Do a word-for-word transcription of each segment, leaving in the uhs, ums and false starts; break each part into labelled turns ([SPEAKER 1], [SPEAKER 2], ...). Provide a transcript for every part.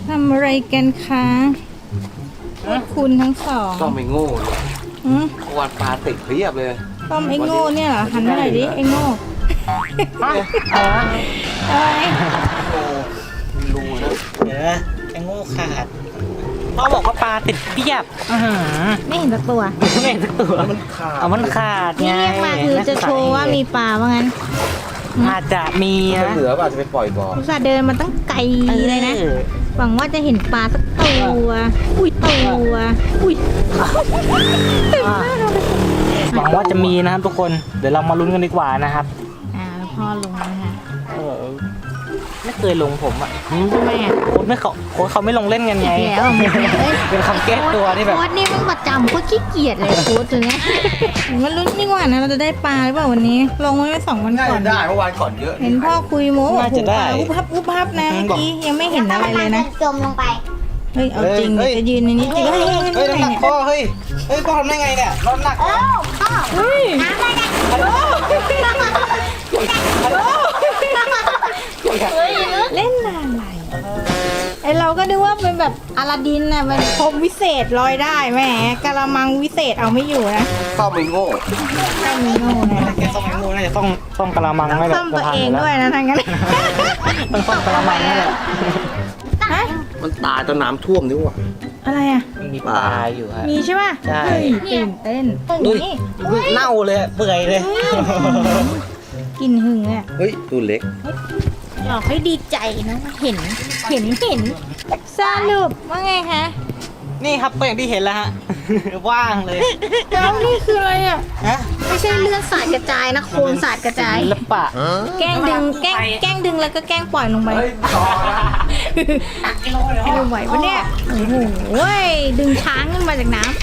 [SPEAKER 1] ทำอะไรกันคะพวกคุณทั้งสอง
[SPEAKER 2] ต้องไม่โง่เลย
[SPEAKER 1] หืม
[SPEAKER 2] วันปลาติดเพียบเลย
[SPEAKER 1] ต้อมไอ้โง่เนี่ยเหรอหันมาหน่อยดิไอ้โง่อะไร
[SPEAKER 2] โอ้รู้นะ
[SPEAKER 3] เดี๋ยวนะไอ้โง่ขาดพ่อบอกว่าปลาติดเปียบอื้อหือ
[SPEAKER 1] ไม่เห็นสักตัว
[SPEAKER 3] ไม่เห็นสักตัวมันขาดเอามันขาด
[SPEAKER 1] นี่
[SPEAKER 3] ไง
[SPEAKER 1] เรียกมาคือจะโชว์ว่ามีปลาว่างั้น
[SPEAKER 3] อาจจะมี
[SPEAKER 2] ถ้า
[SPEAKER 3] นะ
[SPEAKER 2] เหลือป่ะจะไปปล่อยบ่อ
[SPEAKER 1] อุตส่าห์เดินมาตั้งไกลเลยนะ
[SPEAKER 3] ออ
[SPEAKER 1] หวังว่าจะเห็นปลาสักตัว อุ้ยตัว อุ้ย
[SPEAKER 3] อ่ะหวังว่าจะมีนะครับทุกคนเดี๋ยวเรามาลุ้นกันดีกว่านะครับ
[SPEAKER 1] อ่าพ่อลงแล้วนะคะ
[SPEAKER 3] เออไม่เคยลงผมอ่ะ
[SPEAKER 1] ทำไมอ่ะ
[SPEAKER 3] โค้ชไม่เขาโค้ชเขาไม่ลงเล่นกันไง
[SPEAKER 1] อีกแล้วเอ้ย
[SPEAKER 3] เป็นคำแก้ตัวที่แบบ
[SPEAKER 1] โค้ดนี่มันประจำโค้ดขี้เกียจเลยโค้ดตัวเนี้ยมันลุ้นดีกว่านะเราจะได้ปลาหรือเปล่าวันนี้ ลงไว้ไม่สองวัน
[SPEAKER 2] น่า
[SPEAKER 1] ก่อ
[SPEAKER 2] จะ
[SPEAKER 1] น
[SPEAKER 2] ได้เมื่อวานก่อนเยอะ
[SPEAKER 1] เห็นพ่อคุยโม้บอก
[SPEAKER 3] น่า
[SPEAKER 1] โอ้
[SPEAKER 3] จะ
[SPEAKER 1] โห
[SPEAKER 3] ได้
[SPEAKER 1] ปลาอุบพับอุบพับนะเมื่อกี้ยังไม่เห็นอะไรเลยนะ
[SPEAKER 4] จมลงไป
[SPEAKER 1] เฮ้ยเอาจริง
[SPEAKER 3] เฮ้ย
[SPEAKER 1] จะยืนในนี้จริงเฮ้ยเฮ้ย
[SPEAKER 3] เฮ้ย
[SPEAKER 1] เฮ้ย
[SPEAKER 3] น้ำหนัก
[SPEAKER 1] เนี่ย
[SPEAKER 3] พ่อเฮ้ยเฮ้ยพ่อทำได้ไงเนี่ยรถหนัก
[SPEAKER 4] เอ้าพ่อ
[SPEAKER 1] เฮ้ย
[SPEAKER 4] น้ำอะไรเนี่ย
[SPEAKER 3] ฮัลโหล
[SPEAKER 1] ฮัลโหลเล่นอะไรไอเราก็นึกว่าเป็นแบบอลาดินน่ะมันพรมวิเศษลอยได้แหมกะละมังวิเศษเอาไม่อยู่นะ
[SPEAKER 2] ต้องไม่โง่
[SPEAKER 1] ก็มีโง่นะ
[SPEAKER 3] แกต้องไอ้งูน่าจะต้องต้องกะละมังไม่แหละ
[SPEAKER 1] ซ่อมตัวเองด้วยนะทั้งนั้น
[SPEAKER 3] ต้องต้องกะละมังนี่แหละ
[SPEAKER 1] ฮะ
[SPEAKER 2] มันตายตอนน้ำท่วมนี่หว่า
[SPEAKER 1] อะไรอ่ะ
[SPEAKER 3] มีปลาอยู่ฮะ
[SPEAKER 1] มีใช่ป่ะ
[SPEAKER 3] ใช่
[SPEAKER 1] เฮ้ยตื่นเต้น
[SPEAKER 3] ดู
[SPEAKER 1] นี่
[SPEAKER 3] เน่าเลยเปื่อยเลย
[SPEAKER 1] กินหึงเลยอะ
[SPEAKER 2] เฮ้ยตัวเล็ก
[SPEAKER 1] หลอกให้ดีใจนะเห็นเห็นเห็นสรุปว่าไงคะ
[SPEAKER 3] นี่ครับก็อย่างที่เห็นแล้วฮะ ว่างเลย
[SPEAKER 1] แล้วนี่คืออะไรอ่ะ
[SPEAKER 3] ฮะ
[SPEAKER 1] ไม่ใช่เลือดสาดกระจายนะโคลนสาดกระจาย
[SPEAKER 3] ศิลปะ
[SPEAKER 1] แกล้งดึงแกล้งแกล้งดึงแล้วก็แกล้งปล่อยลงไป
[SPEAKER 2] เฮ้ยต่อนะ
[SPEAKER 1] ไม่ไหวปะเนี่ยโอ้โหดึงช้างขึ้นมาจากน้ำ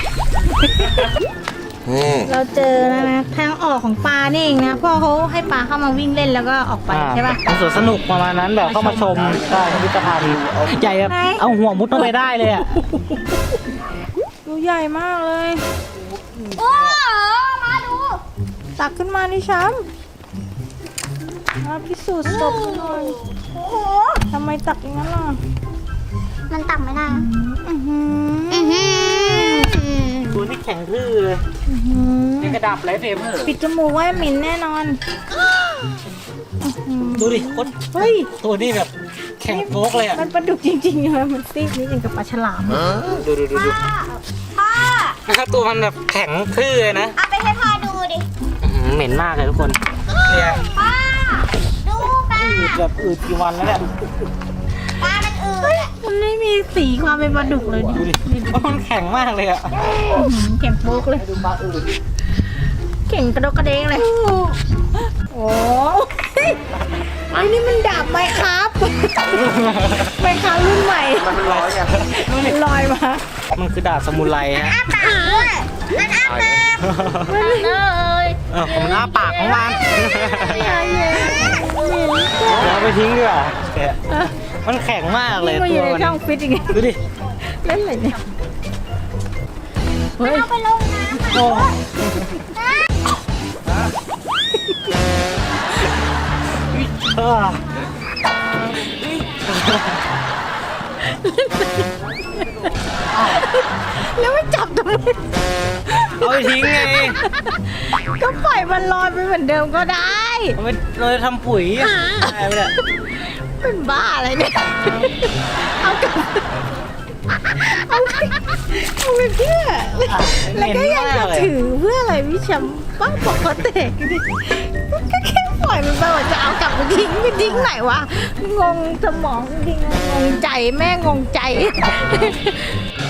[SPEAKER 2] นี่
[SPEAKER 1] เราเจอแล้วนะทางออกของปลานี่เองนะพ่อเขาให้ปลาเข้ามาวิ่งเล่นแล้วก็ออกไปใช่ปะ
[SPEAKER 3] เป็นสวนสนุกประมาณนั้นแบบเข้ามาชมได้พิพิธภัณฑ์ใหญ่แบบ
[SPEAKER 1] ไหน
[SPEAKER 3] เอาหัวมุดเข้าไปได้เลยอ่ะ
[SPEAKER 1] ดูใหญ่มากเลย
[SPEAKER 4] โอ้มาดู
[SPEAKER 1] ตักขึ้นมานี่ช้ำมาพิสูจน์ศพหน่อย
[SPEAKER 4] โอ้โห
[SPEAKER 1] ทำไมตักอย่างนั้นล่ะ
[SPEAKER 4] มันตักไม่ได้
[SPEAKER 1] อื้อหือ
[SPEAKER 4] อือหือ
[SPEAKER 3] ตัวที่แข็งทื่อเลย
[SPEAKER 1] อื้อหือ
[SPEAKER 3] นี่กระดับไรเทม
[SPEAKER 1] ปิดจมูกไว้หมิ่นแน่นอนอื้อหือ
[SPEAKER 3] ดูดิโคตร
[SPEAKER 1] เฮ้ย
[SPEAKER 3] ตัวนี้แบบแข็งโป๊กเลยอ่ะ
[SPEAKER 1] มันปลาดุกจริงๆเลยมันซีดนิดอย่างกับปลาฉลาม
[SPEAKER 3] ดูดูดูดู
[SPEAKER 4] พ่อ
[SPEAKER 3] นะครับตัวมันแบบแข็งทื่อเลยนะ
[SPEAKER 4] เอาไปให้พ่อดูดิ
[SPEAKER 3] อื้อหือเหม็นมากเลยทุกคนเนี่ย
[SPEAKER 4] พ่อดูปลา
[SPEAKER 3] อืดแบบอืดกี่วันแล้วเนี่ย
[SPEAKER 4] ปลามันอืดอะ
[SPEAKER 1] มันไม่มีสีความเป็นปลาดุกเลย
[SPEAKER 3] ดูดิว่ามันแข็งมากเลยอ่ะ
[SPEAKER 1] อื้อหือแข็งโป๊กเลย
[SPEAKER 3] ดูปลาอืด
[SPEAKER 1] เข่งกระดกกระเด้งเลย โอ้ยไอ้นี่มันดาบไหมครับไหมครับรุ่นใหม่
[SPEAKER 2] มันร้อยไง
[SPEAKER 1] มันลอยมา
[SPEAKER 3] มันคือดาบสมุไรฮะ
[SPEAKER 4] อ้าปากด้วยมันอ้าปากเลย
[SPEAKER 3] เออผมอ้าปากของมัน
[SPEAKER 1] อย่าเย็น
[SPEAKER 3] เอาไปทิ้งดีกว่าแกะมันแข็งมากเลย
[SPEAKER 1] มาอ
[SPEAKER 3] ตั
[SPEAKER 1] ยู่
[SPEAKER 3] ว
[SPEAKER 1] ใน
[SPEAKER 3] มัน
[SPEAKER 1] ช่องฟิตอีกไง
[SPEAKER 3] ดูดิ
[SPEAKER 1] เล่นอะไรเนี่ยเฮ้ย
[SPEAKER 4] เอาไปลงน้ำ
[SPEAKER 3] โอ้ เออ
[SPEAKER 1] แล้วไม่จับทำไม
[SPEAKER 3] เอาไปทิ้งไง
[SPEAKER 1] ก็ปล่อยมันลอยไปเหมือนเดิมก็ได้
[SPEAKER 3] เอาไปเราจะทำปุ๋ยอะได้ไปเลย
[SPEAKER 1] เป็นบ้าอะไรเนี่ย เอากลับเอาไปเอาไปเพื่อ แล้วก็ยังจะถือเพื่ออะไรพี่แชมป์บ้าบอกเขาแตกดิก็แค่ปล่อยมันไปว่าจะเอากลับไปทิ้งไปทิ้งไหนวะ งงสมองจริงๆงงใจแม่งงใจ